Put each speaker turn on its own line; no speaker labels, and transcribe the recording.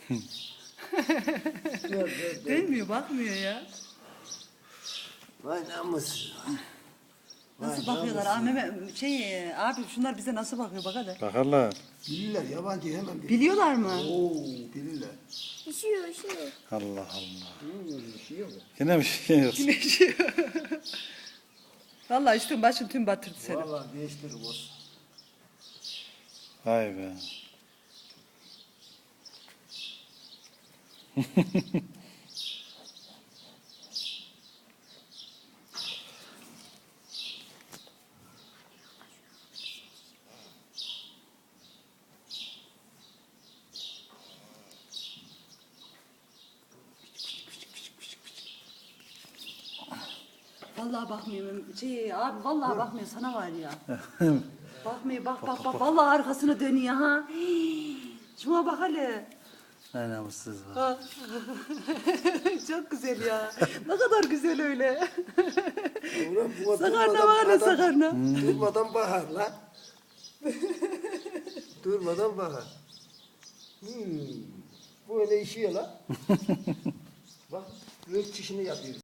Değmiyor, bakmıyor ya.
Vay namussuz.
Nasıl bakıyorlar? Abi şunlar bize nasıl bakıyor bak hadi.
Bakarlar.
Bilirler, yabancı hemen bilirler.
Biliyorlar mı?
Oo, bilirler.
Üşüyor.
Allah Allah.
Üşüyor mu?
Yine bir şey yok.
Güneşiyor. Vallahi üstün başın tüm batırdı seni.
Vallahi değiştirir olsun.
Vay be.
Vallahi bakmıyor. Abi vallahi bakmıyor sana var ya. Bakmıyor bak. Vallahi arkasını dönüyor ha. Şuna bak hele.
Ne namussuz var.
Ha. Çok güzel ya. Ne kadar güzel öyle.
Ulan bu
Sakarna var ya sakarna.
Durmadan bakar lan. Durmadan bakar. Bu öyle işiyor lan. Bak, göğüs çişini yapıyor.